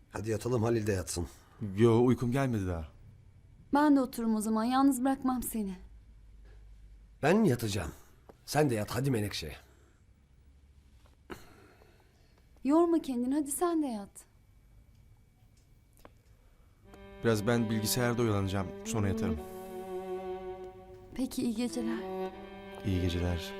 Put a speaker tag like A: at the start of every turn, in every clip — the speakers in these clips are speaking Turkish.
A: Hadi yatalım, Halil de yatsın.
B: Yo, uykum gelmedi daha.
C: Ben de otururum o zaman. Yalnız bırakmam seni.
A: Ben yatacağım. Sen de yat hadi Menekşe.
C: Yorma kendini. Hadi sen de yat.
B: Biraz ben bilgisayarda oyalanacağım. Sonra yatarım.
C: Peki iyi geceler.
B: İyi geceler.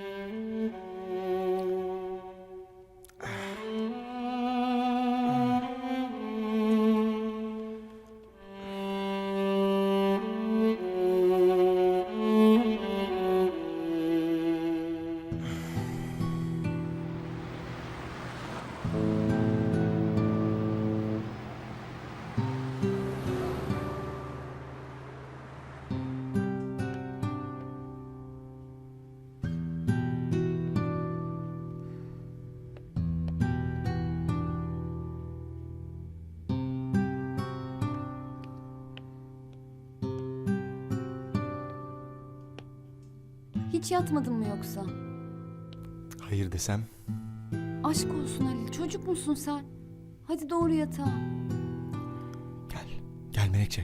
C: Hiç yatmadın mı yoksa?
B: Hayır desem?
C: Aşk olsun Halil. Çocuk musun sen? Hadi doğru yatağa.
B: Gel. Gel Menekşe.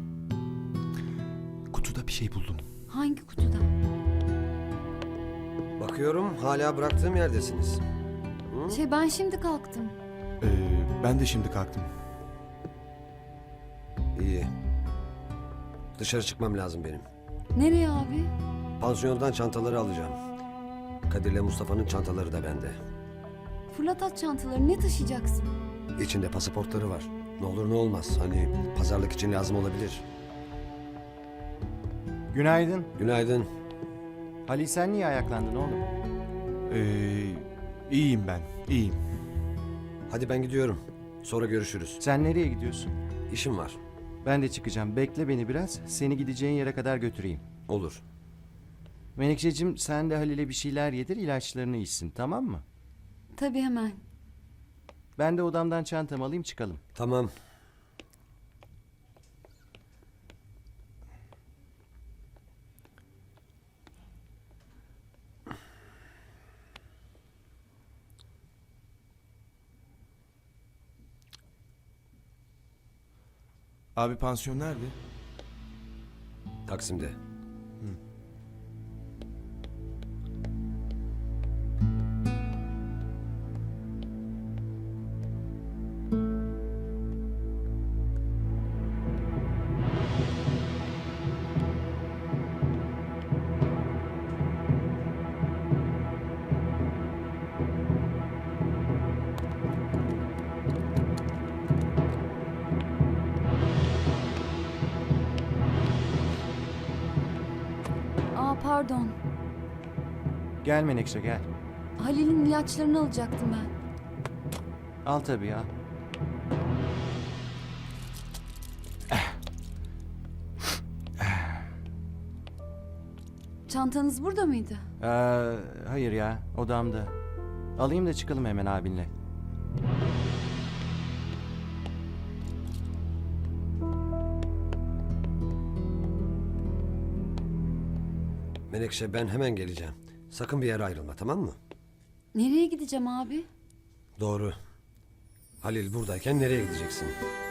B: Kutuda bir şey buldum.
C: Hangi kutuda?
A: Bakıyorum hala bıraktığım yerdesiniz.
C: Ben şimdi kalktım.
B: Ben de şimdi kalktım.
A: İyi. Dışarı çıkmam lazım benim.
C: Nereye abi?
A: Pansiyondan çantaları alacağım. Kadir'le Mustafa'nın çantaları da bende.
C: Fırlat at çantaları. Ne taşıyacaksın?
A: İçinde pasaportları var. Ne olur ne olmaz. Hani pazarlık için lazım olabilir.
D: Günaydın.
A: Günaydın.
D: Halil sen niye ayaklandın oğlum?
B: İyiyim ben. İyiyim.
A: Hadi ben gidiyorum. Sonra görüşürüz.
D: Sen nereye gidiyorsun?
A: İşim var.
D: Ben de çıkacağım. Bekle beni biraz. Seni gideceğin yere kadar götüreyim.
A: Olur.
D: Menekşeciğim sen de Halil'e bir şeyler yedir, ilaçlarını içsin, tamam mı?
C: Tabii hemen.
D: Ben de odamdan çantamı alayım çıkalım.
A: Tamam.
B: Abi pansiyon nerede?
A: Taksim'de.
C: Pardon.
D: Gel Menekşe gel.
C: Halil'in ilaçlarını alacaktım ben.
D: Al tabii ya.
C: Çantanız burada mıydı?
D: Hayır ya, odamda. Alayım da çıkalım hemen abinle.
A: Menekşe ben hemen geleceğim. Sakın bir yere ayrılma, tamam mı?
C: Nereye gideceğim abi?
A: Doğru. Halil buradayken nereye gideceksin?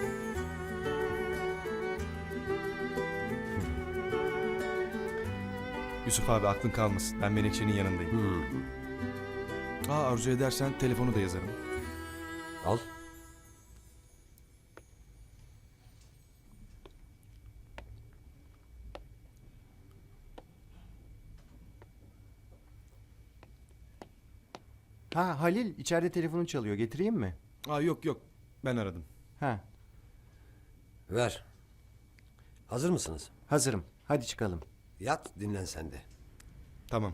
B: Yusuf abi aklın kalmasın. Ben Menekşe'nin yanındayım. Arzu edersen telefonu da yazarım.
A: Al.
D: Ha Halil içeride telefonun çalıyor, getireyim mi?
B: Yok. Ben aradım.
D: Ha,
A: Ver. Hazır mısınız?
D: hazırım. Hadi çıkalım.
A: Yat, dinlen sen de.
B: Tamam.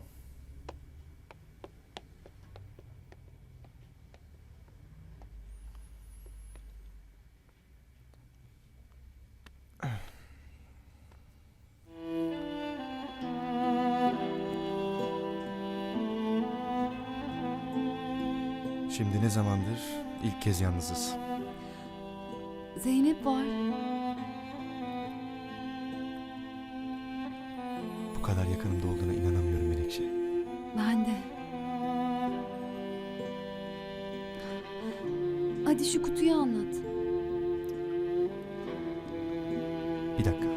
B: Şimdi ne zamandır ilk kez yalnızız.
C: Zeynep var.
B: Bu kadar yakınımda olduğuna inanamıyorum Menekşe.
C: Ben de. Hadi şu kutuyu anlat.
B: Bir dakika.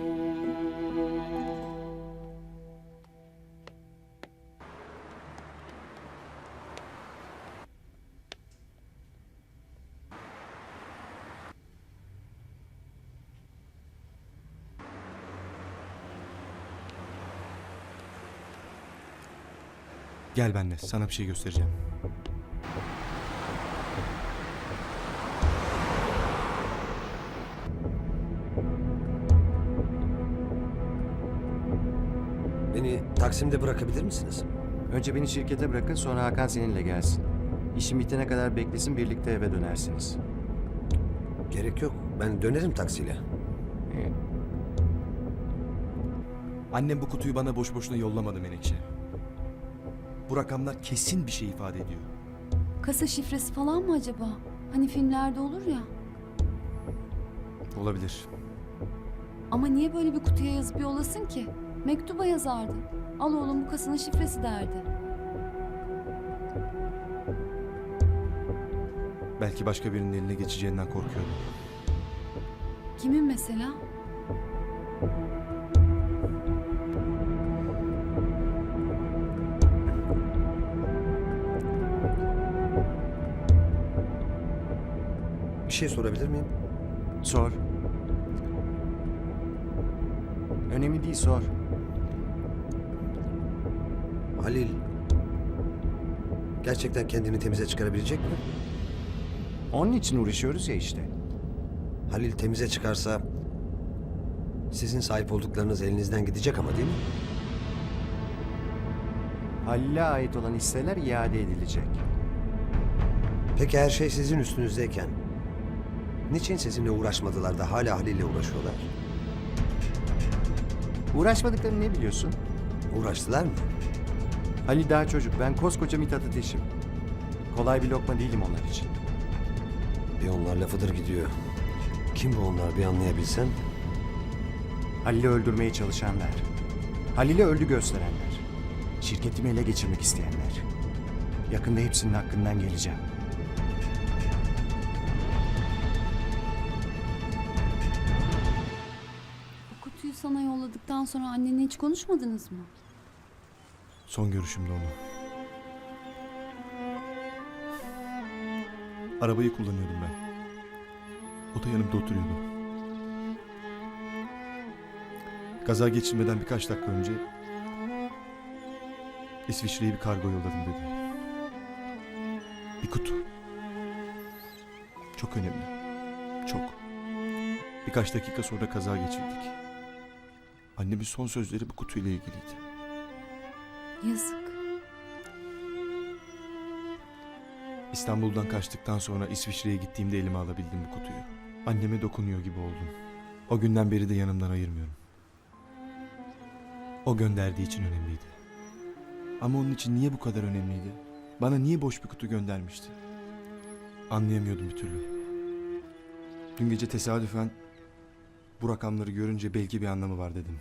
B: Gel benimle, sana bir şey göstereceğim.
A: Beni Taksim'de bırakabilir misiniz?
D: Önce beni şirkete bırakın, sonra Hakan seninle gelsin. İşin bitene kadar beklesin, birlikte eve dönersiniz.
A: Gerek yok. Ben dönerim taksiyle.
D: Ee,
B: Annem bu kutuyu bana boş boşuna yollamadı Menekşe. Bu rakamlar kesin bir şey ifade ediyor.
C: Kasa şifresi falan mı acaba? Hani filmlerde olur ya.
B: Olabilir.
C: Ama niye böyle bir kutuya yazıp yollasın ki? Mektuba yazardı. Al oğlum bu kasanın şifresi derdi.
B: Belki başka birinin eline geçeceğinden korkuyordu.
C: Kimin mesela?
A: Bir şey sorabilir miyim?
D: Sor. Önemli değil, sor.
A: Halil gerçekten kendini temize çıkarabilecek mi?
D: Onun için uğraşıyoruz ya işte.
A: Halil temize çıkarsa sizin sahip olduklarınız elinizden gidecek ama değil mi?
D: Halil'e ait olan hisseler iade edilecek.
A: Peki her şey sizin üstünüzdeyken niçin sizinle uğraşmadılar da hala Halil'le uğraşıyorlar?
D: Uğraşmadıklarını ne biliyorsun?
A: Uğraştılar mı?
D: Halil daha çocuk, ben koskoca Mithat Ateş'im. Kolay bir lokma değilim onlar için.
A: Bir onlar lafıdır gidiyor. Kim bu onlar bir anlayabilsem?
D: Halil'i öldürmeye çalışanlar. Halil'i öldü gösterenler. Şirketimi ele geçirmek isteyenler. Yakında hepsinin hakkından geleceğim.
C: Bu kutuyu sana yolladıktan sonra annenle hiç konuşmadınız mı?
B: Son görüşümde onu. Arabayı kullanıyordum ben. O da yanımda oturuyordu. Kaza geçirmeden birkaç dakika önce İsviçre'ye bir kargo yolladım dedi. Bir kutu. Çok önemli. Çok. Birkaç dakika sonra kaza geçirdik. Annemin son sözleri bu kutuyla ilgiliydi.
C: Yazık.
B: İstanbul'dan kaçtıktan sonra İsviçre'ye gittiğimde elime alabildim bu kutuyu. Anneme dokunuyor gibi oldum. O günden beri de yanımdan ayırmıyorum. O gönderdiği için önemliydi. Ama onun için niye bu kadar önemliydi? Bana niye boş bir kutu göndermişti? Anlayamıyordum bir türlü. Dün gece tesadüfen bu rakamları görünce belki bir anlamı var dedim.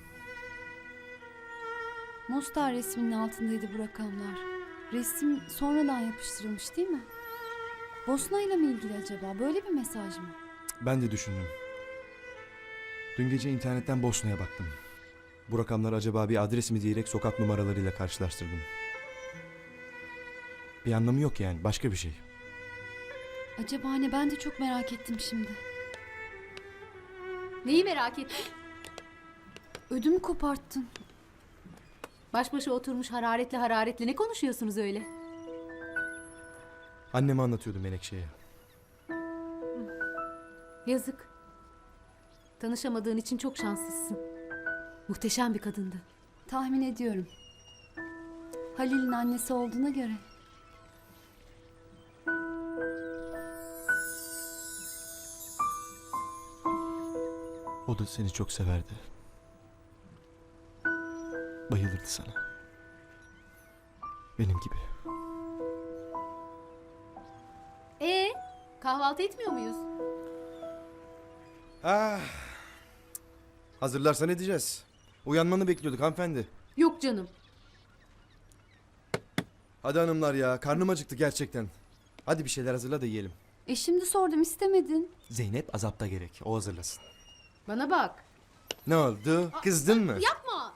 C: Mostar resminin altındaydı bu rakamlar. Resim sonradan yapıştırılmış değil mi? Bosna ile mi ilgili acaba? Böyle bir mesaj mı?
B: Ben de düşündüm. Dün gece internetten Bosna'ya baktım. Bu rakamlar acaba bir adres mi diyerek sokak numaralarıyla karşılaştırdım. Bir anlamı yok yani, başka bir şey.
C: Acaba ne? Ben de çok merak ettim şimdi.
E: Neyi merak ettin?
C: Ödümü koparttın.
E: Baş başa oturmuş hararetle ne konuşuyorsunuz öyle?
B: Anneme anlatıyordu Menekşe'ye.
E: Yazık. Tanışamadığın için çok şanslısın. Muhteşem bir kadındı.
C: Tahmin ediyorum. Halil'in annesi olduğuna göre.
B: O da seni çok severdi. Bayılırdı sana. Benim gibi.
E: Kahvaltı etmiyor muyuz?
B: Hazırlarsan edeceğiz. Uyanmanı bekliyorduk hanımefendi.
E: Yok canım.
B: Hadi hanımlar ya, karnım acıktı gerçekten. Hadi bir şeyler hazırla da yiyelim.
C: Şimdi sordum istemedin.
B: Zeynep azapta gerek, o hazırlasın.
E: Bana bak.
B: Ne oldu? Kızdın mı?
E: Yapma.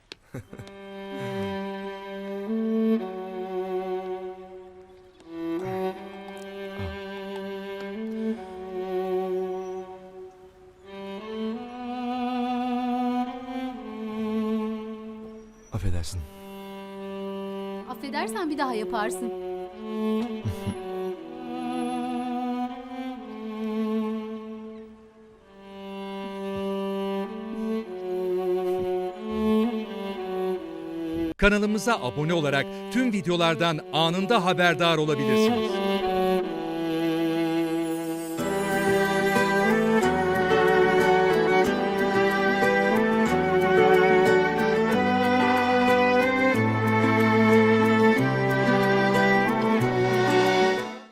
B: Affedersin.
E: Affedersen bir daha yaparsın.
F: Kanalımıza abone olarak tüm videolardan anında haberdar olabilirsiniz.